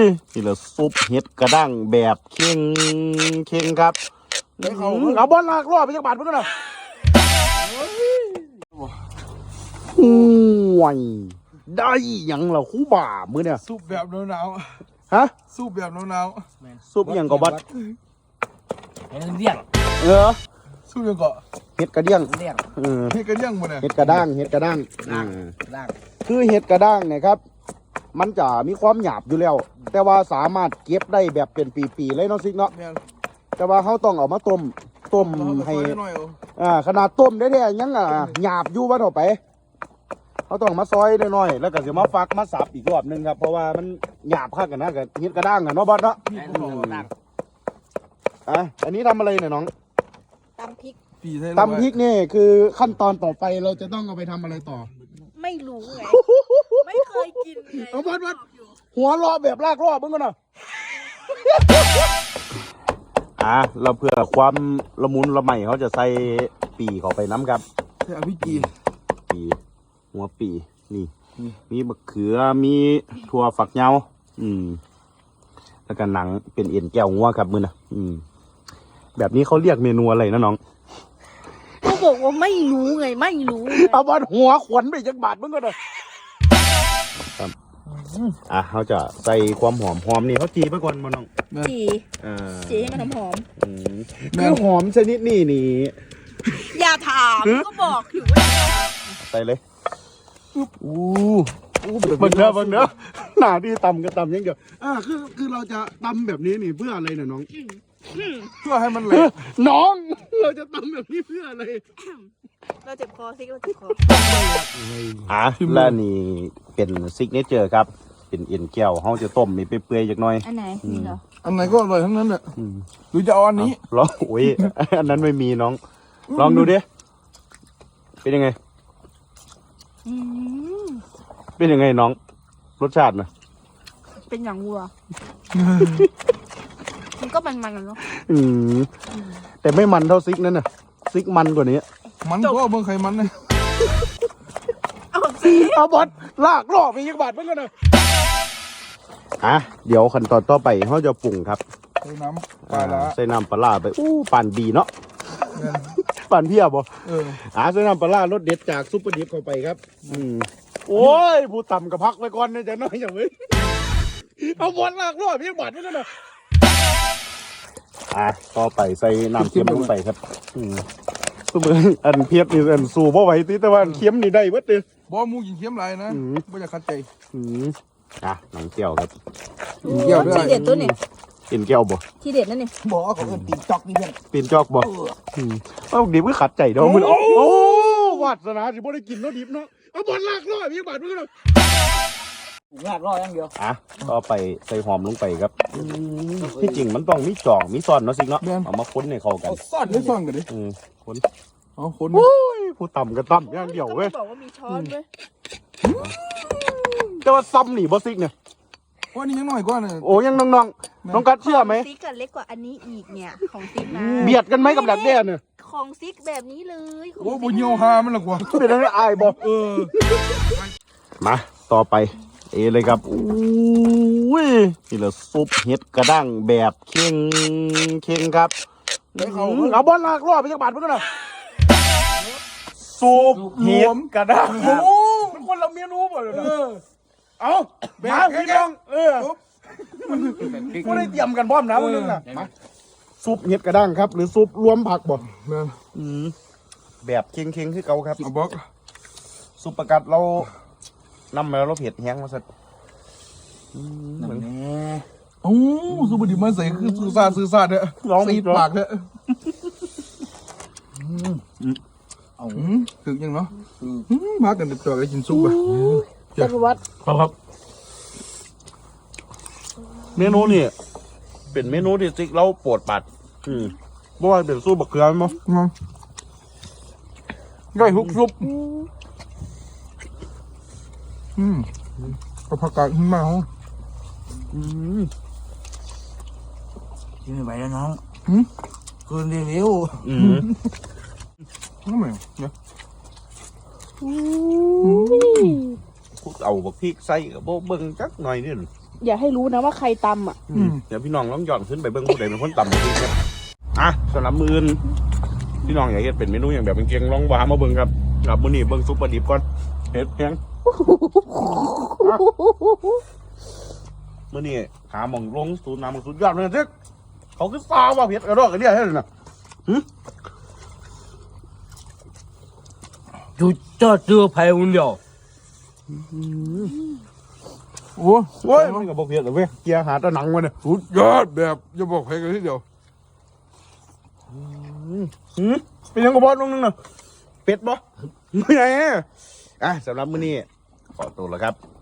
นี่แหละซุปเห็ดกระด้างแบบเค็งครับเอาบอลลากรอบไปจักบาทเพื่อนนะห่วยได้ยังเหรอคู่บ่ามือเนี่ยซุปแบบหนาวฮะซุปแบบหนาวซุปยังก็บัดเห็ดเดี่ยงซุปยังก็เห็ดกระเดี่ยงเห็ดกระเดี่ยงบ่เนี่ยเห็ดกระด้างคือเห็ดกระด้างเนี่ยครับมันจะมีความหยาบอยู่แล้วแต่ว่าสามารถเก็บได้แบบเป็นปีๆเลยเนาะซิกเนาะแต่ว่าเขาต้องเอามาต้มให้ขนาดต้มได้เนี่ยยังหยาบอยู่ว่าต่อไปเขาต้องมาซอยได้หน่อยแล้วก็จะมาฟักมาสับอีกรอบนึงครับเพราะว่ามันหยาบขั้นกันนะกับเห็ดกระด้างกันเนาะบอสเนาะอันนี้ทำอะไรเนี่ยน้องตำพริกนี่คือขั้นตอนต่อไปเราจะต้องเอาไปทำอะไรต่อไม่รู้ไงไม่เคยกินไงบอสหัวรอแบบลากรอบมึงกันนะเราเพื่อความละมุนละไมเขาจะใส่ปีเข้าไปน้ำครับใส่พี่จีหัวปีนี่มีมะเขือมีถั่วฝักยาวแล้วก็หนังเป็นเอ็นแก้วงัวครับมือนะแบบนี้เขาเรียกเมนูอะไรนะน้องเขาบอกว่าไม่รู้ไงเอาบอลหัวขวัญไปจักบาทมึงก็เลยเขาจะใส่ความหอมนี่เขาจีไปก่อนมาน้องจีให้มันหอมคือหอมชนิดนี่อย่าถามก็บอกอยู่ว่าใส่เลยบังเนอะหน้าที่ตำก็ตำยังเดียวคือเราจะตำแบบนี้นี่เพื่ออะไรเนี่ยน้องเพื่อให้มันเละน้องเราจะตำแบบนี้เพื่ออะไรเราเจ็บคอซิกเราเจ็บคอแล้วนี่เป็นซิกเนเจอร์ครับเป็นเอ็นแก้วเขาจะต้มมีเปื่อยๆจักหน่อยอันไหนนี่เหรออันไหนก็อร่อยทั้งนั้นแหละหรือจะเอาอันนี้ลองโอ้ยอันนั้นไม่มีน้องลองดูดิเป็นยังไงเป็นยังไงน้องรสชาตินะเป็นอย่างวัวมันก็มันกันเนาะแต่ไม่มันเท่าซิกนั่นน่ะซิกมันกว่านี้มันก็เมืองไขมันนะเอาบอลลากรอบไปยังบาทเพื่อนนะเดี๋ยวขั้นตอนต่อไปเขาจะปรุงครับใส่น้ำปลาร้าไปปั่นดีเนาะปั่นเพียบบ่ใส่น้ำปลารสเด็ดจากซุปเปอร์ดิฟเข้าไปครับโอ้ยผู้ต่ำกับพักไปก่อนนะจะน้อยอย่างนี้เอาบอลลากรอบยังบาทเพื่อนนะต่อไปใส่น้ำเค็มลงไปครับสมมติอันเพียบนี่อันสูบเอาไว้ที่แต่ว่าเค็มนี่ได้เว้ยดิบ่มูกินเค็มไรนะไม่จะคัดใจหนังเกี่ยวครับเกี่ยวด้วยที่เด็ดตัวนี่เป็นเกี่ยวบ่ที่เด็ดนั่นนี่บ่เขาเป็นปีนจอกนี่เพื่อนปีนจอกบ่ดิบก็ขัดใจเด้อมึงโอ้วาสนาสิบ่ได้กินเนาะดิบเนาะเอาบอลลากรอบยังบาทมึงเนาะลากรอบอย่างเดียวต่อไปใส่หอมลงไปครับที่จริงมันต้องมีจ่องมีซ่อนเนาะสิเนาะเอามาค้นให้เข้ากันซ่อนได้ซ่อนกันดิค้นค้นผู้ต่ำก็ต่ำอย่างเดียวเว้ยบอกว่ามีช้อนเว้ยแต่ว่าซ้ำนี่บอสซิกเนี่ยว่านี่ยังน้อยกว่าเนี่ยโอ้ยังน้องกัดเชื่อไหมซิกกันเล็กกว่าอันนี้อีกเนี่ยของซิกนะเบียดกันไหมกับดักแด้เนี่ยของซิกแบบนี้เลยโอ้บุญโยฮามันหรอกวะเป็นอะไรอายบอกมาต่อไปเลยครับนี่แหละซุปเห็ดกระด้างแบบเค็งครับเอาบอลลากรอบไปจักบาทเพื่อนนะซุปเห็ดกระด้างมันคนละเมนูหมดเลยเอามาพี่น้องกูได้เตรียมกันพร้อมนะวันนึงนะซุปเห็ดกระด้างครับหรือซุปรวมผักบ่แบบเค็งคือเก่าครับซุปประกัดเรานำมาเราเผ็ดแห้งมาสักโอ้ซุปดิบมาใส่คือซื้อซาดเนี่ยตีปากเนี่ยถึงยังเนาะมากันติดตัวไปกินซุปอ่ะจักรวรรดิครับเมนูนี่เป็นเมนูที่ซิกเราปวดปัดเพราะว่าเป็นซุปบักเขือมั้งได้ฮุกซุปก็ผักกาดขึ้นมาเหรอกินไม่ไหวแล้วน้องคืนเร็วนั่นไงเนี่ยเอาบักพริกใส่กับโบเบิ้งจักหน่อยนี่อย่าให้รู้นะว่าใครตำอ่ะเดี๋ยวพี่น้องลองย้อนขึ้นไปเบิ้งผู้ใดเป็นคนตำบักพริกครับอ่ะสำหรับมื้ออื่นพี่น้องอยากเฮ็ดเป็นเมนูอย่างแบบเป็นเกียงลองวามาเบิ้งครับกับมื้อนี้เบิ้งซุปปลาดิบก่อนเฮ็ดแพงมื้อนี้หาหม่องลงสูตรน้ำสุดยอดเลยเด้อเขาคือซาว่าเผ็ดกระดอกกระเดี่ยเฮ็ดน่ะ就这只有排骨料。 โอ้โอ้ยมันก็บ่เผ็ดหรอกเว้ยเกียร์หาแตะหนังมาเนี่ยสุดยอดแบบจะบอกใครกันทีเดียวเป็นยังกบอสนึงน่ะเป็ดบ่ไม่ไงสำหรับมื้อนี้ขอตัวแล้วครับ